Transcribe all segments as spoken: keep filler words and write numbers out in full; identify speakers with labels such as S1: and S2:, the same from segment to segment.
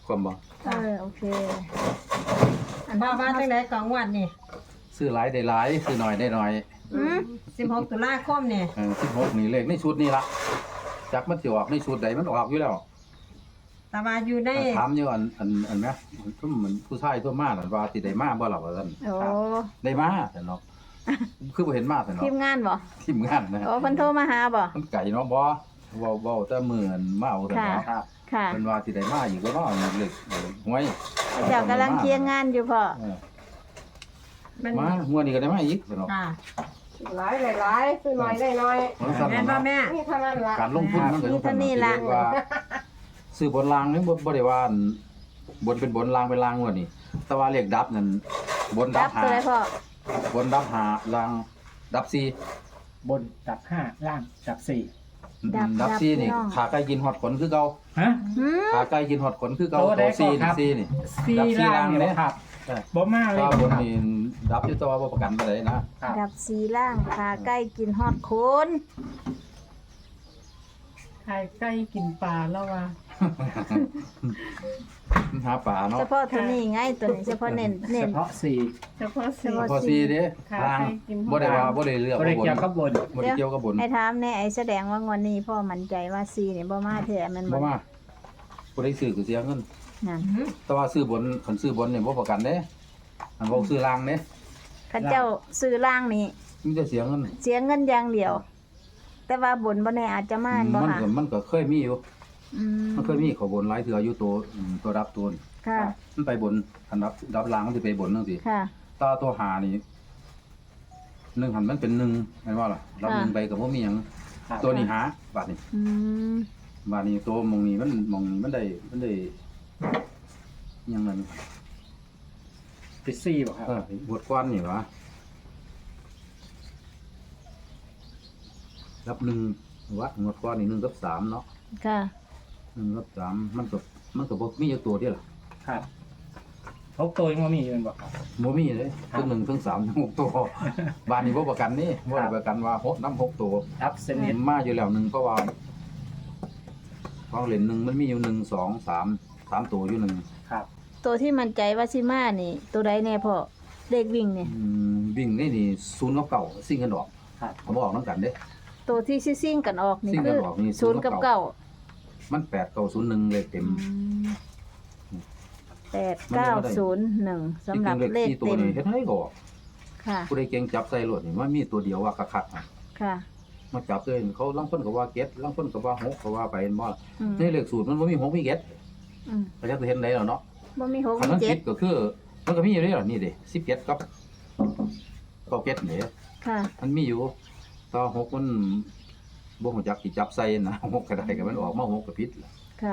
S1: ความบ่
S2: เออโอเคอัน
S3: ว่าว่าจังได๋ก็งวดนี่
S1: ซื้อหลายได้หลายซื้อน้อยได้น้อย
S2: อืม
S3: สิบหกตุลาคมนี่
S1: เออสิบหกนี่เลขในชุดนี้ล่ะจักมันสิออกในชุดใดมันออกอยู่แล้ว
S3: แต่ว่าอยู่ใน
S1: ถามอยู่อันอันอันแม่ซุ่มเหมือนผู้ชายตัวมานั่นว่าสิได้มาบ่ล่ะว่าซั่น
S2: โอ้
S1: ได้มาแต่เนาะคือบ่เห็นมาแต่เนาะ
S2: ทีมงานบ่
S1: ทีมงานนะ
S2: โอ้เพิ่นโทรมาหาบ่
S1: มันไก่เนาะบ่เว้าเว้าแต่มื้ออันมาเอาแต่เนาะ
S4: ครับ
S2: ค่ะ
S1: เพิ่นว่าสิได้มาอีกบ่เนาะเลขหวย
S2: เจ้ากำลังเคลียร์งานอยู่พ่อ
S1: เออ
S3: มัน
S1: มาหัวนี้ก็ได้มาอีกเนาะ
S3: ค่ะ
S5: หลายหลายๆซื้อน้อยได้น้อย
S1: มันสั่น
S3: แม่นบ่
S1: เนาะ
S3: แม่
S5: นี่เท่านั้นละ
S1: การลงทุนมันก็ต้องทำว่าซื้อบนรางนี่บ่บ่ได้ว่าอันบนเป็นบนรางเป็นรางว่านี่แต่ว่าเลขดับนั่นบนดั
S2: ดั
S1: บบ หา
S2: ตัวไหนพ่อบ
S1: นดับหารางดับสี่
S4: บนดับห้าล่างดับสี่
S1: ดับสี่นี่ขาไก่กินฮอดขนคือเก่า
S4: ฮะ
S2: หืม
S1: ขาไก่กินฮอดขนคือเก่า
S4: โตได้
S1: ตัวสี่
S4: ก่อนครับ
S1: สี่นี่
S4: สี่
S1: ดับสี่
S4: ล่าง
S1: ล่าง
S4: เนี่ย
S1: เนี่ย
S4: ครับ
S1: ใช่
S4: บ่มาเลย
S1: ถ้าบนนี่ดับอยู่ตัวบ่ประกันไปเลยนะ
S4: ครับ
S2: ดับสีล่างขาใกล้กินฮอดโคน
S5: ไข่ไก่กินปลาแล้วว่า
S1: หาป่าเนาะ
S2: เฉพาะเท่านี้ไงตัวนี้เฉพาะเน้นเน้
S4: เฉ
S2: น
S4: พาะสี่
S5: เฉพาะสี
S2: เฉพาะ
S1: พอสี่เด้
S5: ขา
S1: ล่าง
S5: ไก่กิน
S1: บ่ได้ว่าบ่ได้เลือก
S4: บริ
S1: ว่าบน
S4: เกี่ยวกับบน
S1: บ่ได้เกี่ยวกับบน
S2: ไอ้ถามแน่ไอ้แสดงว่างวดนี้พ่อมั่นใจว่าสีนี่บ่มาแท้แม่น
S1: บ่
S2: บ่
S1: มาบ่ได้ซื้อก็เสียเงิน
S2: นั่น
S1: แต่ว่าซื้อบนคันซื้อบนนี่บ่ประกันเด้อันบ่ซื้อล่างเด้
S2: ข้าเจ้าซื้อล่างนี่
S1: มันจะเสียเงิน
S2: เสียเงินอย่างเดียว แต่ว่าบนบ่แน่อาจจะมาบ่
S1: มัน
S2: หา
S1: ก็มันก็เคยมีอยู่
S2: อืม
S1: มันเคยมีเขาบนหลายเทื่ออยู่ตัวอืมตัวรับตัวนี่
S2: ค่ะ
S1: มันไปบนอันรับรับล่างมันสิไปบนจังซี่
S2: ค่ะ
S1: ตาตัวหานี่หนึ่งหันมันเป็นหนึ่งแม่นว่าล่ะรับหนึ่งไปก็บ่มีหยัง
S4: ครับ
S1: ตัวนี้หาบาดนี้
S2: อืม
S1: บาดนี้ตัวหมองนี้มันหมองนี้มันได้มันได้หยังนั่น
S4: เป็นสี่บ่ครับ
S1: เออบทกวนนี่หวะรับหนึ่งวะงวดก้อนนี่หนึ่งกับสามเนาะ
S2: ค่ะ
S1: หนึ่งกับสามมันก็มันก็บ่มีอยู่ตัวเดียวล่ะ
S4: ครับพกตัวยังบ่มีอยู่แม่นบ่ครับ
S1: บ่มีเลยทั้งหนึ่งทั้งสามทั้งหกตัว บ้านนี้บ่ประกันนี่บ่ได้ประกันว่าหกน้ำหกตัว
S4: ดับสนิท
S1: มาอยู่แล้วหนึ่งเพราะว่าของเล่นหนึ่งมันมีอยู่หนึ่งสองสามสามตัวอยู่หนึ่ง
S4: ครับ
S2: ตัวที่มั่นใจว่าสิมานี่ ตัวใดแน่พ่อเลขวิ่งนี่
S1: อืมวิ่งนี่นี่ศูนย์กับเก่าซิ่งกันดอก
S4: ครับ
S1: เขาบอกน้ำกันเด้
S2: ตัวที่ซิ่งๆกันออกนี่
S1: ซิ่งกั
S2: คื
S1: น
S2: อ
S1: ออกนี่
S2: ศูนย์กับเก้า
S1: มันแปดเก้าศูนย์หนึ่งเลขเต็ม
S2: แปดเก้าศูนย์หนึ่งสำหรับ
S1: จงๆ
S2: เลข
S1: สี่ตัว
S2: เต็ม
S1: นี่เฮ็ดให้ก็ออก
S2: ค่ะ
S1: ผู้ใดเก่งจับใส่รถนี่มันมีตัวเดียวว่าคักๆอะ
S2: ค่ะ
S1: มาจับเลยเขาลางคนก็ว่าเก็ดลางคนก็ว่าหกก็ว่าไปเห็นบ่ล่ะ
S2: อืม
S1: ในเลขสูตรมันบ่มีหกมีเก็ด
S2: อืม
S1: ก็จะเห็นได้แล้วเนาะ
S2: บ่มีหก
S1: คัน
S2: มี
S1: มัน
S2: เจ็
S1: ผิ
S2: ด
S1: ดก็คือ มันก็มีอยู่เด้ล่ะนี่เด้สิบเก็ดกับเก้าเก็ดนี่
S2: ค่ะ
S1: มันมีอยู่ต่อหกมันบ่ฮู้จักสิจับใส่นะ หกก็ได้ก็มันออกมาหกก็ผิดล่ะ
S2: ค่ะ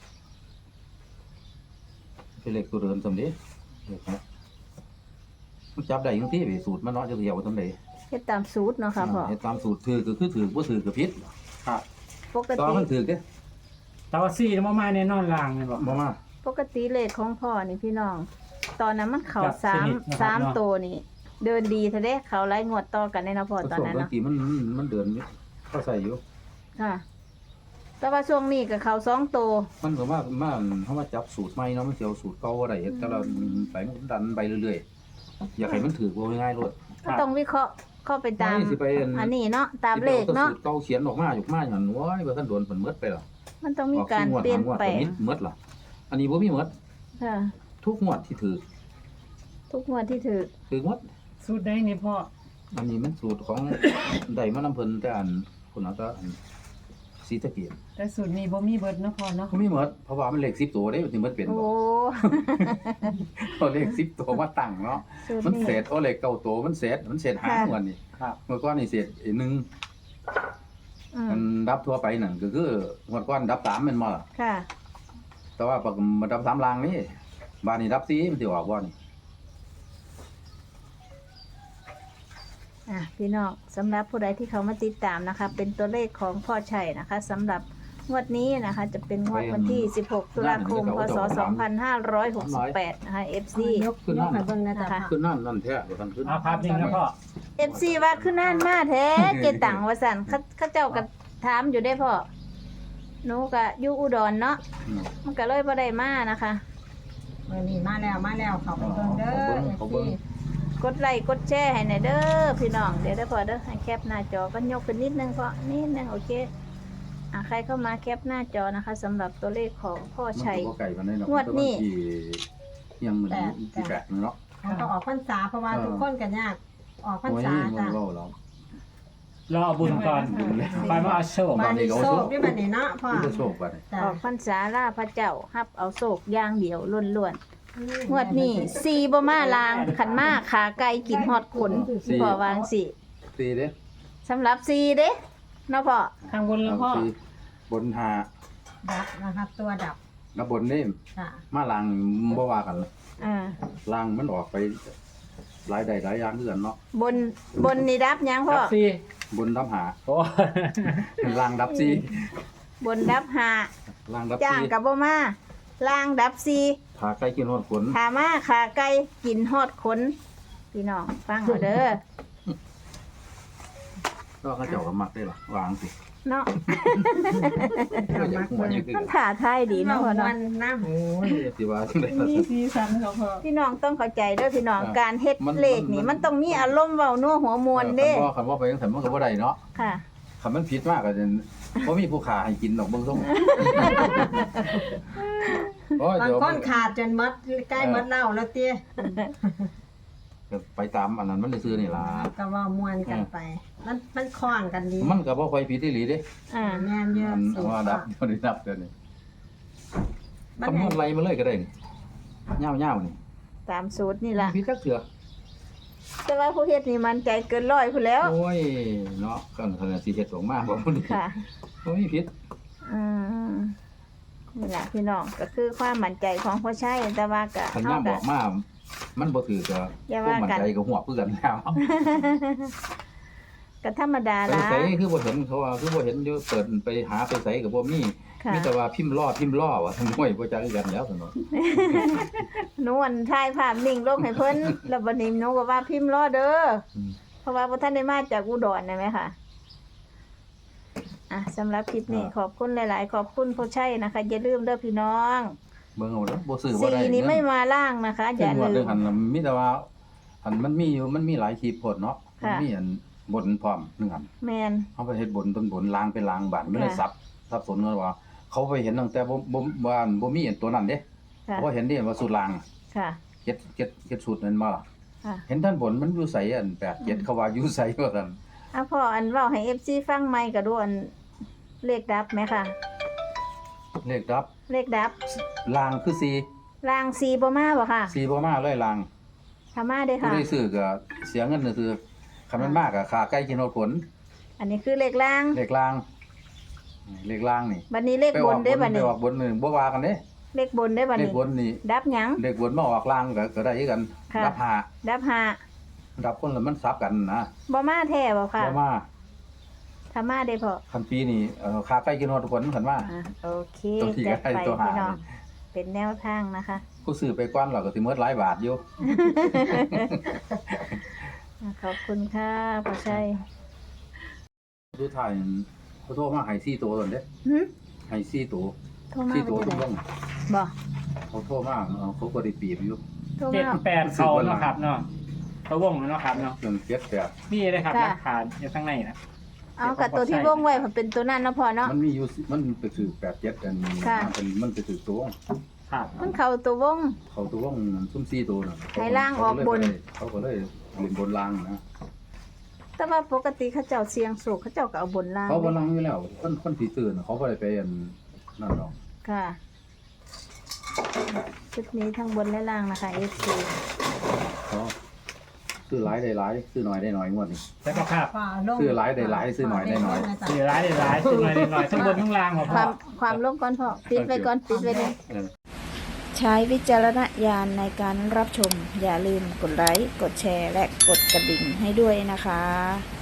S1: เป็นเลขตัวเดินซำนี้เลขหกมันจับได้จังซี่ไปสูตรมันเนาะจะเหี่ยวซำใด
S2: เฮ็ดตามสูตรเนาะค่ะพ่อ
S1: เฮ็ดตามสูตรถือก็คือถือบ่ถือก็ผิด
S4: ครับ
S2: ปก
S1: ต่อ
S2: ติ
S1: มันถือเด้
S4: แต่ว่าสี่บ่มาแน่นอนล่างแม่นบ่
S1: บ่มา
S2: ปกติเลขของพ่อนี่พี่น้อง ตอนนั้นมันเข้า
S4: จับ
S2: สาม
S4: สนิทนะครับ
S2: สาม
S4: เนาะ
S2: ตัวนี่ เดินดีแท้เด้เขาไล่งวดต่อกันในเนาะพ่อตอนนั้น
S1: บาง
S2: เนาะ
S1: ทีมันมันมันเดินอยู่เขาใส่อยู่
S2: ค่ะ แต่ว่าช่วงนี้ก็เข้าสองตัว
S1: มันก็ว่ามาเฮามาจับสูตรใหม่เนาะมันสิเอาสูตรเก่าบ่ได้แต่เราไปมันดันไปเรื่อยๆอยากให้มันถือว่าง่ายๆโลด
S2: ก็ต้องวิเคราะห์เข้าไปตาม
S1: ไม่สิไปอัน
S2: อันนี้เนาะตามเลขเนาะ
S1: สิไปอแต่สูตรเก่าเขียนออกมาอยู่มาหั่นโอ้ยบ่ทันโดนเพิ่นหมดไปหรอ
S2: มันต้องมีการเปลี่ยนแปลง
S1: หมดล่ะอันนี้บ่มีหมด
S2: ค่ะ
S1: ทุกงวดที่ถือ
S2: ทุกงวดที่ถือ
S1: ถือหมด
S5: สูตรได้นี่พ่อ
S1: อันนี้มันสูตรของ ได้มานำเพิ่นแต่อันพุ่นเอาแต่อันศรีสะเกีย
S5: แต่สูตรนี้บ่มีเบิดเนาะพ่อเนาะ
S1: ก็มีหมดเพราะว่ามันเลขสิบตัวเด้มันสิหมดเป็น
S2: โอ้
S1: บ่ เอาเลขสิบตัวมาตั้งเนาะ
S2: สูตร
S1: มัน
S2: นี้
S1: เศษเอาเลขเก้าตัวมันเศษมันเศษหา
S2: ค่ะ
S1: งวดนี่
S4: ครับ
S1: เมื่อก่อนนี่เศษไอ้หนึ่ง
S2: อืม
S1: มันดับทั่วไปนั่นก็คือเมื่อก่อนดับสามแม่นบ่ล่ะ
S2: ค่ะ
S1: แต่ว่าปกมาดับสามลางนี่บ้านนี้ดับสี่มันสิออกบ่นี่
S2: อ่ะพี่น้องสำหรับผู้ใดที่เขามาติดตามนะคะ เป็นตัวเลขของพ่อชัยนะคะสำหรับงวดนี้นะคะ จะเป็นงวดวันที่ สิบหก ตุลาคม พศ สองพันห้าร้อยหกสิบแปด นะคะ เอฟ ซี
S3: ยกยกให้เบิ่งนะจ๊ะ
S2: นะคะ
S1: ขึ้นนั่นนั่นแท้บ่ทันขึ้น
S4: เอาภาพนิ่งนะพ่อ
S2: เอฟ ซี ว่าขึ้นน่านมาแท้ เจตังว่าสั่นเขาเขาเจ้าก็ถามอยู่ได้พ่อหนูก็อยู่อุดรเนาะ
S1: อืม
S2: มันก็เลยบ่ได้มานะคะ
S3: เมื่อนี้มาแล้วมาแล้วเขาไปเบิ่งเด้อ
S1: เขาเบิ่ง
S2: กดไลค์กดแชร์ให้หน่อยเด้อพี่น้องเดี๋ยวได้อพอเด้อให้แคปหน้าจอก็ยกขึ้นนิดนึงพอนิดนึงโอเคอ่ะใครเข้ามาแคปหน้าจอนะคะสำหรับตัวเลขของพ่อชัย
S1: มันก็บ่ไก่ปานใดเนาะ
S2: งวดนี้
S1: ที่ยังมันที่แปดเนาะ
S3: เขาก็ออกพรรษาเพราะว่าทุกคนกันยากออกพรร
S1: โอ้ย
S3: ษา
S1: มัน
S3: จ้ะ
S1: เว้าแล้ว
S4: รอเอาบุญก่อนไปมาเอาโชค
S3: มาในโซกด้วยบัดนี้เนาะพ่อ
S1: มันจะโชคบัดนี้
S3: จ้ะ
S2: ออกพรรษาล่าพระเจ้าฮับเอาโศกอย่างเดียวล้วนๆงวดนี้ซีบ่มาลางขันมาขาไก่กินฮอดขนพอวางสิ
S1: ตีเด้
S2: สำหรับซีเด้เนาะพ่อ
S5: ข้างบนแล้วพ่อ
S1: เอาสิบนหา
S3: ดับนะครับตัวดับ
S1: กับบนนี่
S3: จ้ะ
S1: มาลางบ่ว่ากันนะ
S2: อ่า
S1: ลางมันออกไปหลายใดหลายอย่างคือกันเนาะ
S2: บนบนนี่ดับยังพ่อ
S4: รับสี่
S1: บนดับหา
S4: โอ้
S1: ลางดับซี
S2: บนดับหา
S1: ลางดับ
S2: จ้าง
S1: ซี
S2: กับบ่มาล่างดับซี
S1: ขาไก่กินฮอดขน
S2: ขามาขาไก่กินฮอดขนพี่น้องฟังเอาเด้อ
S1: ก็เขาเจ้าก็มักได้ล่ะวางสิ
S2: เนาะ
S1: ก็อยากหัวยังคือ
S2: มันถ่าทายดีเนาะพ่อ
S3: วั
S2: เนาะ
S3: นน้
S1: โอ้ยสิว่าจังได๋ล่ะ
S5: มีสีสันเขาพ่อ
S2: พี่น้องต้องเข้าใจเด้อพี่น้อง
S1: อ่า
S2: การเฮ็ด
S1: มัน
S2: เลขนี่
S1: มัน
S2: มันต้องมีอารมณ์เว้านัวหัวมวลเด้
S1: คันว่าคันว่าไปจังซั่นมันก็บ่ได้เนาะ
S2: ค่ะ
S1: คันมันผิดมากก็จะบ่มีผู้ขาให้กินดอกเบิ่ง ทรงโอ้ย
S3: ำบาง
S1: เดี๋ยว
S3: คนขาดจนหมดใกล้หมดเหล้าแล้วเตี้ย
S1: ไปตามอันนั้นมันได้ซื้อนี่ล่ะ
S3: ก็เว่ามวนกันไป มันมันคล้องกันดี
S1: มันก็บ่ค่อยผิดอีหลีเด้
S2: อ่า
S3: แม่นเยอะ
S1: มัน
S3: สุด
S1: ว่าดับบ่ได้ดับเดี๋ยวนี้
S3: มัน
S1: คำน
S3: ให้
S1: วณไรมาเลยก็ได้นี่ยาวๆนี่
S2: ตามสูตรนี่ล่ะ
S1: ผิดจักเถื่อ
S2: แต่ว่าผู้เฮ็ดนี่มันใจเกินร้อยพุ่นแล้ว
S1: โอ้ยเนาะกันขนาดสิเฮ็ดออกมาบ่พุ่นนี่
S2: ค่ะ
S1: บ่มีผิด
S2: อืมนี่แหละพี่น้องก็คือความมั่นใจของพ่อชัยแต่ว่าก็
S1: คัน
S2: เฮา
S1: ย่ามบ
S2: ก็
S1: อกมามันบ่ถือก็
S2: อย่า
S1: พวก
S2: ว่า
S1: มัน
S2: กัน
S1: ใจก็หัวคือกันแล้ว
S2: ก็ธรรมดา
S1: ไป
S2: ละ
S1: ไสคือบ่เห็นเขาว่าคือบ่เห็นอยู่เปิดไปหาไปไสก็บ่มี
S2: ค่ะ
S1: มีแต่ว่าพิมพ์ล้อพิมพ์ล้อว่าทั้งห้วยบ่จักคือกันแล้วซั่นเนาะ
S2: หนูอันถ่ายภาพนิ่งลงให้เพิ่น แล้วบัดนี้หนูก็ว่าพิมพ์รอเด้อ
S1: อืม
S2: เพราะว่าบ่ทันได้มาจากอุดรนะแม่ค่ะอ่ะสำหรับคลิปนี้ขอบคุณหลาย ๆ ขอบคุณพ่อชัยนะคะ อย่าลืมเด้อพี่น้อง
S1: เบิ่งเอาเด้อบ่ซื้อบ่
S2: สี
S1: ได้
S2: นี้ไม่
S1: เงิ
S2: มาล่างนะคะ
S1: น
S2: อย่า
S1: งวด
S2: ลื
S1: เรื่อ
S2: ม
S1: งหันน่ะมีแต่ว่าหันมันมีอยู่มันมีหลายคลิปโพดเนาะมัน
S2: ค่ะ
S1: มีอันบนพร้อมหนึงอัน
S2: แมน
S1: เขาไปเฮ็ดบนต้นบนล้างเป็นล้างบานไม่ได้
S2: ค่ะ
S1: ซับซับสนกันว่า เขาไปเห็นตั้งแต่บ่บ่บ่านบ่มีอันตัวนั้นเด้
S2: ค่ะ
S1: เพราะเห็นเด้ว่าสูตรล้าง
S2: ค่ะ
S1: เก็ดเก็ดเก็ดสูตรนั้นมาล่ะ
S2: ค่ะ
S1: เห็นท่านบนมันอยู่ไสอันแปดเก็ดเขาว่าอยู่ไสว่าซั่น
S2: เอาพ่ออันเว้าให้ เอฟ ซี ฟังใหม่ก็ดูอันเลขดับไหมค่ะ
S1: เลขดับ
S2: เลขดับ
S1: ล้างคือสี่
S2: ล่างสีบ่มาบ่ค่ะ
S1: สี่บ่มาเลยล้าง
S2: ถ้ามาเด้อ
S1: ผู้
S2: ค่ะ
S1: ได้ซื้อก็เสียเงินซื่อๆคันมันมากก็ค่าไก่กินฮอดผล
S2: อันนี้คือเลขล่าง
S1: เลขล้างเลขล้างนี่
S2: บัดนี้เลข
S1: ไป
S2: บ
S1: อน อกบ
S2: เด้อน บัด
S1: ไป
S2: นี้
S1: ออกบนนี่บ่ว่ากันเด้
S2: เลขบนเด้อบัด
S1: เลข
S2: นี้
S1: บนนี่
S2: ดับหยัง
S1: เลขบนมาออกล้างก็ก็ได้คือกัน
S2: ค่ะ
S1: ดับห้า
S2: ดับห้า
S1: ดับคนละมันซับกันนะ
S2: บ่มาแท้บ่ค่ะ
S1: บ่มา
S2: ถ้ามาเด้อพ่อ
S1: คันปีนี้เอ่อค่าไก่กินฮอดทุกคนคันว่า
S2: อ่ะโอเค
S1: ตัวที่
S2: จัด
S1: ก็ให้
S2: ไป
S1: ตัวหา
S2: พี่น้องเป็นแนวทางนะคะ
S1: ผู้ซื้อไปก่อนเราก็สิหมดหลายบาทอยู่
S2: อ่ะขอบคุณค่ะพ่อชัย
S1: ดูถ่ายเขาโทรมาให้สี่ตัวตอนเด้
S2: หึ
S1: ให้สี่ตัว
S2: โทรมา
S1: สี่
S2: เป็
S1: ตัวน
S2: จั
S1: ทุ
S2: ง
S1: ก
S2: ได๋
S1: วง
S2: บ่
S1: เขาโทรมาเออเขาก็ได้ปีบอยู่
S2: โทร
S4: เจ็ด
S2: มา
S4: แปดเขาเนาะครับเนาะเขาวงเนาะครับเนาะ
S1: จนเจ็ดแปด
S4: นี่เลยครับ
S2: ค่ะ
S4: หลักฐานอยู่ข้างในนะ
S2: เอากับตัวที่วงไว้มันเป็นตัวนั้นเนาะพ่อเนาะ
S1: มันมีอยู่สิมันไปถือแปดเจ็ดกัน
S2: ค่ะ
S1: มันเป็นมันไปถือตัววง
S4: ครับ
S2: มันเข้าตัววง
S1: เขาตัววงซุ่มสี่ตัวน่ะ
S2: ให้ล่างออกบน
S1: เขาก็เลยเล่นบนล่างนะ
S2: แต่ว่าปกติเขาเจ้าเสียงสูงเขาเจ้าก็เอาบนล่าง
S1: เขาบนล่างอยู่แล้วคนคนที่ตื่นเขาบ่ได้ไปอันนั่นหรอก
S2: ค่ะชุดนี้ทั้งบนและล่างนะคะ เอฟ ซี
S1: เขาซื้อหลายได้หลายซื้อน้อยได้น้อยงวดนี้
S4: แล้วก็ครับ
S3: ฝ่าลง
S1: ซื้อหลายได้หลายซื้อหน่อยได้หน่อย
S4: สี่ร้ายได้ร้ายขึ้นมาหน่อยทั้งบนทั้งล่างหมด
S2: ค
S4: พ่อ
S2: วามความลงก่อนพ่อปิดไว้ก่อนปิดไว้เลย
S1: เออ
S2: ใช้วิจารณญาณในการรับชม อย่าลืมกดไลค์ กดแชร์ และกดกระดิ่งให้ด้วยนะคะ